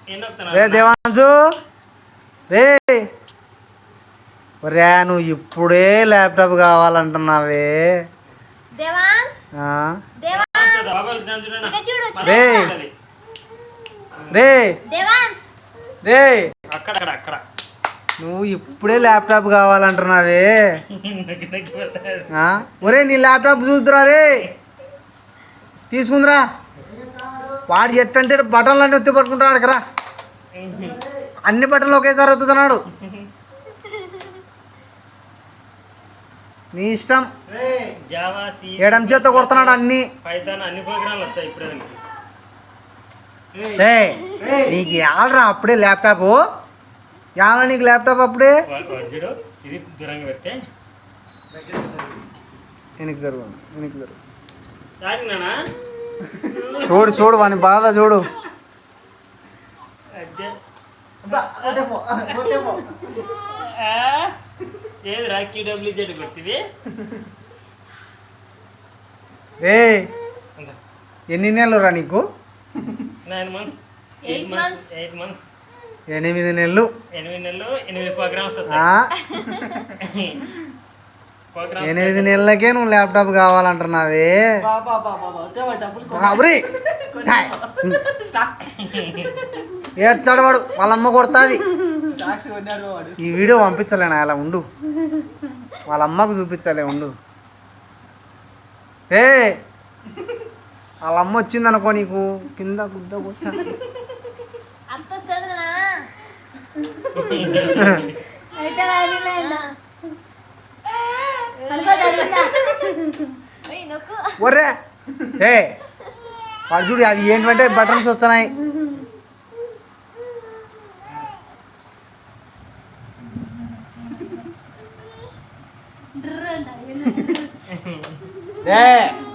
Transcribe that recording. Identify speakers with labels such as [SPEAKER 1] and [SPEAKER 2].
[SPEAKER 1] రే దేవాంశు రే రే నువ్వు ఇప్పుడే ల్యాప్టాప్ కావాలంటున్నావే రే రే రే నువ్వు ఇప్పుడే ల్యాప్టాప్ కావాలంటున్నావే ఒరే నీ ల్యాప్టాప్ చూద్దురా రే తీసుకుందిరా వాడు ఎట్టంటే బటన్లు అన్నీ ఒత్తి పట్టుకుంటాడు కదా అన్ని బటన్లు ఒకేసారి ఒత్తుతున్నాడు నీ ఇష్టం ఏడం చేత కొడుతున్నాడు అన్ని నీకు యాలరా అప్పుడే ల్యాప్టాప్ యాల నీకు ల్యాప్టాప్ అప్పుడే వెనక్కి జరుగు చూడు చూడు వాని బాధ చూడు ఏ ఎన్ని నెలలు రా నీకు
[SPEAKER 2] 9 months 8 months
[SPEAKER 1] 8 నెలలు
[SPEAKER 2] 8 programs
[SPEAKER 1] 8 నెలలకే నువ్వు ల్యాప్టాప్ కావాలంటున్నావే ఏడ్చాడు వాడు వాళ్ళ అమ్మ కొడుతుంది ఈ వీడియో పంపించలేను అలా ఉండు వాళ్ళ అమ్మకు చూపించాలే ఉండు ఏ వాళ్ళ అమ్మ వచ్చింది అనుకో నీకు కింద గుద్ద కూర్చో ఒర్రే ఏ వాడు చూడు అవి ఏంటంటే బటన్స్ వస్తున్నాయి ఏ